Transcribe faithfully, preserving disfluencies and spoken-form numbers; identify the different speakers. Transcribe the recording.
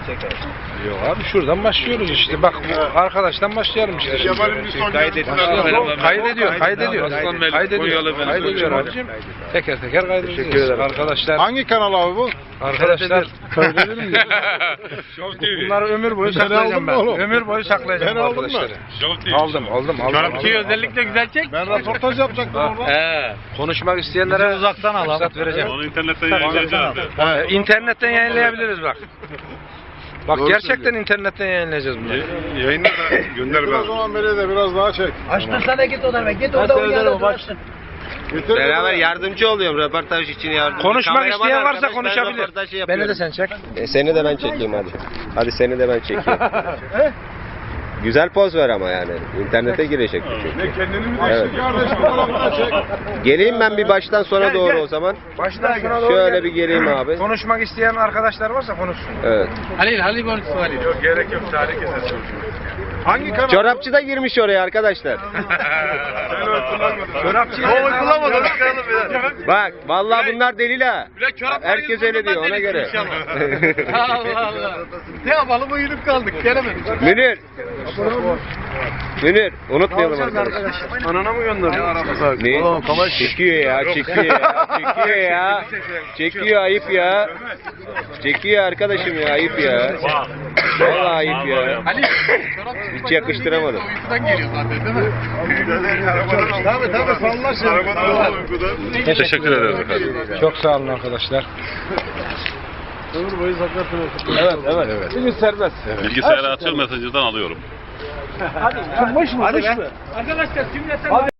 Speaker 1: çeker.
Speaker 2: Yok abi şuradan başlıyoruz işte. Bak bu arkadaştan başlayalım işte.
Speaker 1: Kaydediyor.
Speaker 2: Kaydediyor, kaydediyor.
Speaker 3: Aslan Bey,
Speaker 2: Kaydediyor,
Speaker 3: Konyalı benim
Speaker 2: kaydediyor
Speaker 3: hocam.
Speaker 2: abicim. Teker teker kaydediyoruz.
Speaker 1: Teşekkür ederim.
Speaker 2: Arkadaşlar,
Speaker 4: Hangi kanal abi bu?
Speaker 2: arkadaşlar
Speaker 4: Söylenir mi?
Speaker 3: Show T V.
Speaker 2: bunları ömür boyu
Speaker 4: Sen aldın
Speaker 2: saklayacağım
Speaker 4: mı
Speaker 2: ben.
Speaker 4: oğlum?
Speaker 2: Ömür boyu saklayacağım
Speaker 4: Ben
Speaker 2: bu
Speaker 4: aldın mı?
Speaker 2: arkadaşları.
Speaker 3: Show T V.
Speaker 2: Aldım, aldım, aldım.
Speaker 3: Çorapçıyı
Speaker 2: aldım.
Speaker 3: özellikle güzel çek.
Speaker 4: Ben röportaj yapacaktım orada.
Speaker 3: He.
Speaker 2: Konuşmak isteyenlere uzaktan al. Fırsat vereceğim.
Speaker 3: Onu internetten yayınlayacağız.
Speaker 2: Ee, internetten yayınlayabiliriz bak. Bak
Speaker 4: Doğru
Speaker 2: gerçekten
Speaker 4: söylüyor.
Speaker 2: internetten yayınlayacağız bunları.
Speaker 4: Yayınla da gönder ben. O zaman beni de biraz daha çek.
Speaker 1: Açtırsana git ona be. Git orada uyuyana durasın.
Speaker 4: Getir
Speaker 5: Beraber
Speaker 4: beni.
Speaker 5: yardımcı oluyorum röportaj için yardımcı.
Speaker 2: Konuşmak
Speaker 5: Kameraman
Speaker 2: isteyen varsa
Speaker 5: arkadaş, ben
Speaker 2: konuşabilir.
Speaker 5: röportaj
Speaker 2: Beni
Speaker 5: yapıyorum.
Speaker 2: de sen çek.
Speaker 5: E, seni de ben çekeyim hadi. Hadi seni de ben çekeyim. Güzel poz ver ama yani. İnternete girecek bu çünkü.
Speaker 4: Ne kendini mi
Speaker 5: Evet.
Speaker 4: açtın kardeş? Bu tarafına çek.
Speaker 5: Geleyim ben bir baştan sona doğru o zaman.
Speaker 2: Baştan sona doğru
Speaker 5: Şöyle
Speaker 2: gel.
Speaker 5: bir geleyim abi.
Speaker 2: Konuşmak isteyen arkadaşlar varsa konuşsun.
Speaker 5: Evet.
Speaker 3: Halil, Halil konuşsun Halil. Yok gerek yok. Tarih keser.
Speaker 4: Hangi kanal?
Speaker 5: Çorapçı da girmiş oraya arkadaşlar.
Speaker 2: Çorapçıya
Speaker 3: Oy bulamadım.
Speaker 5: Bak vallahi bunlar delil ha.
Speaker 3: Bile çorap
Speaker 5: Herkes öyle diyor ona göre.
Speaker 3: Allah Allah. Ne yapalım uyuduk kaldık. Gelemedik.
Speaker 5: Münir. Münir unutmayalım arkadaşlar.
Speaker 2: Anana mı gönderdin?
Speaker 5: Ne? Çekiyor ya, çekiyor ya, çekiyor ya. Çekiyor ayıp ya. Çekiyor arkadaşım ya, ayıp ya. Vallahi ayıp ya.
Speaker 3: Halil.
Speaker 5: Hiç yakıştıramadım.
Speaker 3: Uykudan geliyor zaten değil mi?
Speaker 4: Tabii tabii sallaşın.
Speaker 3: Teşekkür ederiz efendim.
Speaker 2: Çok sağ olun arkadaşlar.
Speaker 4: Ömür boyu saklatın.
Speaker 2: Evet, evet. evet. Bugün serbest.
Speaker 3: Bilgisayarı açıp mesajından alıyorum.
Speaker 2: Hadi be. Arkadaşlar cümleten